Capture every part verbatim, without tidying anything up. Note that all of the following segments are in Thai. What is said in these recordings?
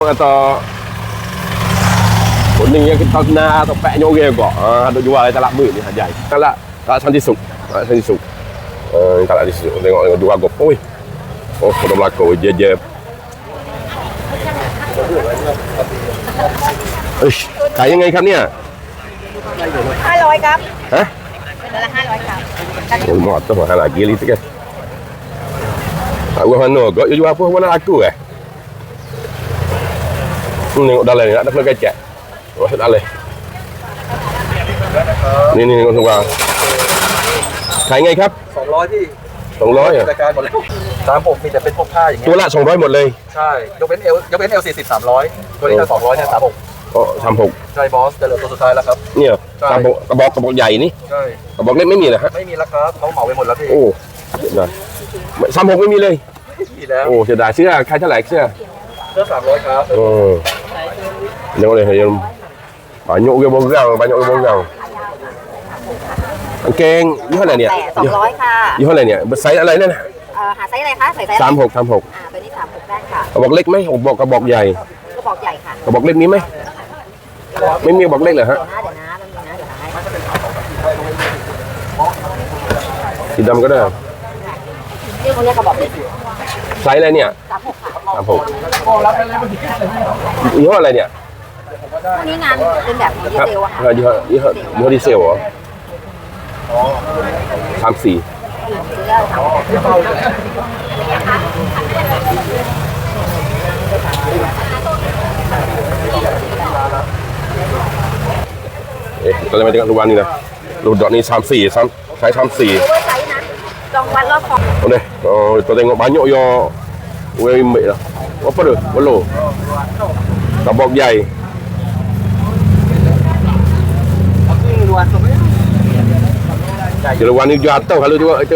atau kuning yang kita kena atau pek nyoge kok. Ah, ada jual di talak ni hajai. Talak tak santi suk. Tak santi suk. Eh, talak di situ. Tengok tengok dua gop. Oi. Oh, sudah berlaku je-je. Ish, kaya ngaiครับเนี่ยห้าร้อยครับ Hah? เป็นละห้าร้อยครับ Oh, mak tu mahal lagi li tu kan. Tak gua mana kau jual apa mana aku eh? Hmm, tengok dalam ni ada kena kecek. Masuk dalam. Ni ni tengok tengok. ขายไงครับสองร้อยที่สองร้อยอ่ะรายการหมดเลยสามผมมีแต่เป็นพวกผ้าอย่างเงี้ตัวย ละสองร้อยหมดเลยใช่ยกเว้นเอลยกเว้นเอลสี่สิบสามร้อยตัวนี้ถ้าสองร้อยเนี่ยสามหกอ๋อสามหกใช่บอสจะเหลือตัวสุดท้ายแล้วครับเนี่ยกระบอกกระบอกกระบอกใหญ่นี่ใช่กระบอกเล็กไม่มีเหรอฮะไม่มีแล้วครับเขาเหมาไปหมดแล้วพี่โอ้เสียดายสามหกไม่มีเลยไม่มีแล้วโอ้เสียดายเสื้อใครเท่าไหร่เสื้อเสื้อสามร้อยครับโอ้เดี๋ยวเลยเดี๋ยวbanyak ke borang banyak ke borang กางเกงยี่ห้ออะไรเนี่ยแต่สองร้อยค่ะยี่ห้ออะไรเนี่ยไซส์อะไรนั่นเอ่อหาไซส์อะไรคะใส่ไซส์สามหกสามหกอ่าตัวนี้สามหกได้ค่ะกระบอกเล็กไหมกระบอกกระบอกใหญ่กระบอกใหญ่ค่ะกระบอกเล็กมีไหมไม่มีกระบอกเล็กเหรอฮะเดี๋ยวนะเดี๋ยวนะมันมีนะเดี๋ยวให้สีดำก็ได้นี่คนนี้กระบอกเล็กไซส์อะไรเนี่ยสามหกค่ะสามหกยี่ห้ออะไรเนี่ยพวกนี้งานเป็นแบบดีครับเซลอะค่ะยี่ห้อยี่ห้อยี่ห้อดีเซลเหรอสามสี่ซื้อได้ค่ะเอ๊ะเราจะมาจากรูวันนี่นะรูดอกนี่สามสี่สามใช้สามสี่ดูว่าไซส์นะลองวัดรอบคอโอเคoh kita tengok banyak yo wei mek lah apa tu belo kabok jai รวนตัวไม่ jeruan ni jatuh kalau juga itu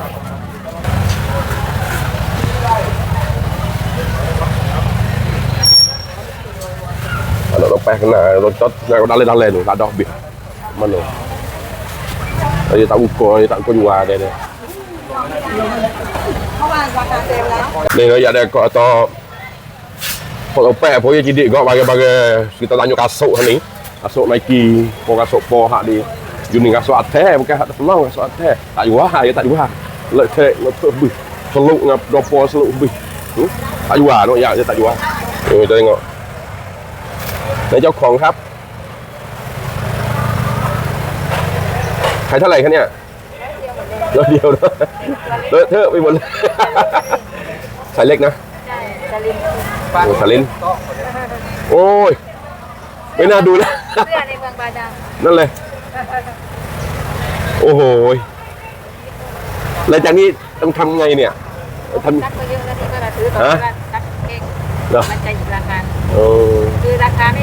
kalau lepas kena loncat nak dalam-dalam tu tak ada habis mana dia tak ukur dia tak ukur jual dia dia เมื่อวานราคาเซลล์แล้ว ni dia ada kau atau kau opek pun dia jidik kau bagai-bagai kita lanjut kasut ni kasut Nike pun kasut po hak di Juni kasut atas bukan hak terpelang kasut atas tak jual dia tak jual letek letek lebih seluk ngap dopo seluk lebih hmm? tak jual tu ya dia tak jual ni kita tengokนี่เจ้าของครับขายเท่าไหร่คะเนี่ยร้อยเดียวนะเลอะเทอะไปหมดเลยสายเล็กนะใช่จะลินโอ้สลินโอ้ยไม่น่าดูนะเสื้อในเมืองบาดาลนั่นเลยโอ้โหหลังจากนี้ต้องทำไงเนี่ยทำซักมาเยอะแล้วที่ก็จะซื้อตอนนี้ก็ซักเองเหรอมันจะอีกราคาเออคือราคา